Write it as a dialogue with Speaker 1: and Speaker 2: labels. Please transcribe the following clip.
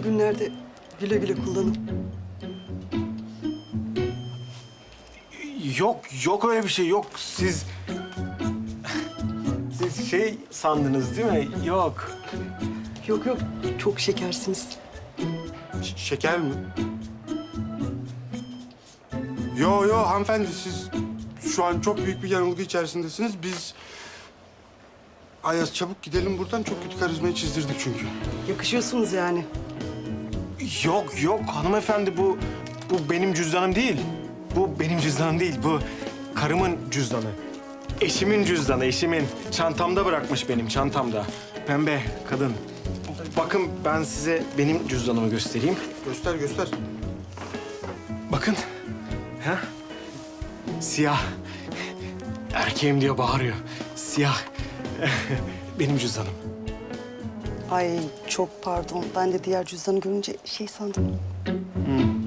Speaker 1: günlerde güle güle kullanın.
Speaker 2: Yok öyle bir şey yok. Siz şey sandınız değil mi? Yok.
Speaker 1: Yok yok, çok şekersiniz.
Speaker 3: Şeker mi? Yo hanımefendi, siz şu an çok büyük bir yanılgı içerisindesiniz. Biz... Ayaz, çabuk gidelim buradan. Çok kötü karizmayı çizdirdik çünkü.
Speaker 1: Yakışıyorsunuz yani.
Speaker 2: Yok hanımefendi, bu benim cüzdanım değil. Bu benim cüzdanım değil. Bu karımın cüzdanı. Eşimin cüzdanı, eşimin. Çantamda bırakmış, benim çantamda. Pembe kadın. Bakın, ben size benim cüzdanımı göstereyim.
Speaker 3: Göster.
Speaker 2: Bakın. Ha? Siyah. Erkeğim diye bağırıyor. Siyah. Benim cüzdanım.
Speaker 1: Ay çok pardon. Ben de diğer cüzdanı görünce şey sandım.